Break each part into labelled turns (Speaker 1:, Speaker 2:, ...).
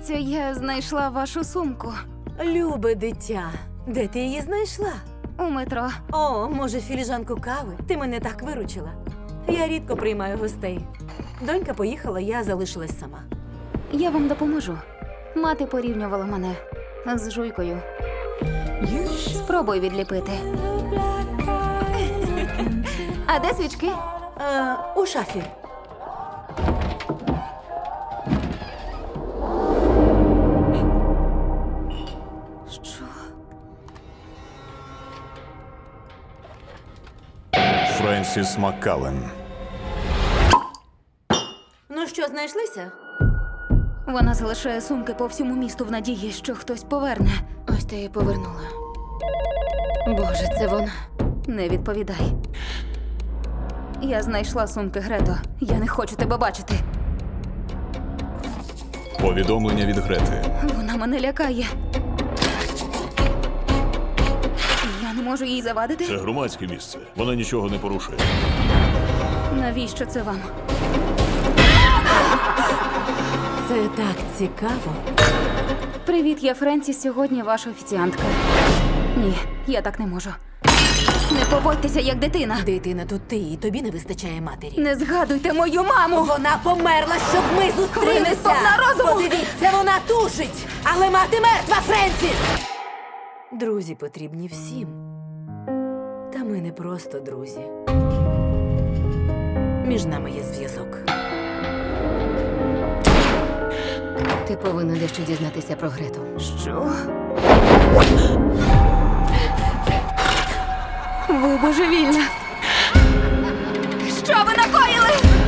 Speaker 1: Здається, я знайшла вашу сумку
Speaker 2: Любе дитя, де ти її знайшла?
Speaker 1: у метро.
Speaker 2: О, може, філіжанку кави? Ти мене так виручила. Я рідко приймаю гостей. Донька поїхала, я залишилась сама.
Speaker 1: Я вам допоможу. Мати порівнювала мене з жуйкою. Спробуй відліпити. А де свічки?
Speaker 2: У шафі.
Speaker 1: Що?
Speaker 3: Френсіс Маккален.
Speaker 2: Ну що, знайшлися?
Speaker 1: Вона залишає сумки по всьому місту в надії, що хтось поверне.
Speaker 4: Ось ти її повернула. Боже, це вона.
Speaker 1: Не відповідай. Я знайшла сумки, Грето. Я не хочу тебе бачити.
Speaker 3: Повідомлення від Грети.
Speaker 1: Вона мене лякає. Я не можу їй завадити.
Speaker 3: Це громадське місце. Вона нічого не порушує.
Speaker 1: Навіщо це вам?
Speaker 2: Це так цікаво.
Speaker 1: Привіт, я Френсіс, сьогодні ваша офіціантка. Ні, я так не можу. Не поводьтеся як дитина.
Speaker 2: Дитина тут ти, і тобі не вистачає матері.
Speaker 1: Не згадуйте мою маму!
Speaker 2: Вона померла, щоб ми
Speaker 1: Ви не
Speaker 2: зустрілися!
Speaker 1: сповна розуму!
Speaker 2: Подивіться, вона тушить! Але мати мертва, Френсіс! Друзі потрібні всім. Та ми не просто друзі. Між нами є зв'язок.
Speaker 4: Ти повинна дещо дізнатися про Грету.
Speaker 1: Що? Ви божевільна! Що ви накоїли?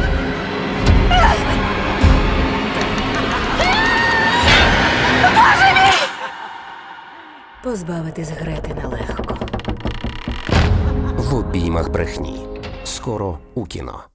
Speaker 2: Позбавитись Грети нелегко.
Speaker 5: В обіймах брехні. Скоро у кіно.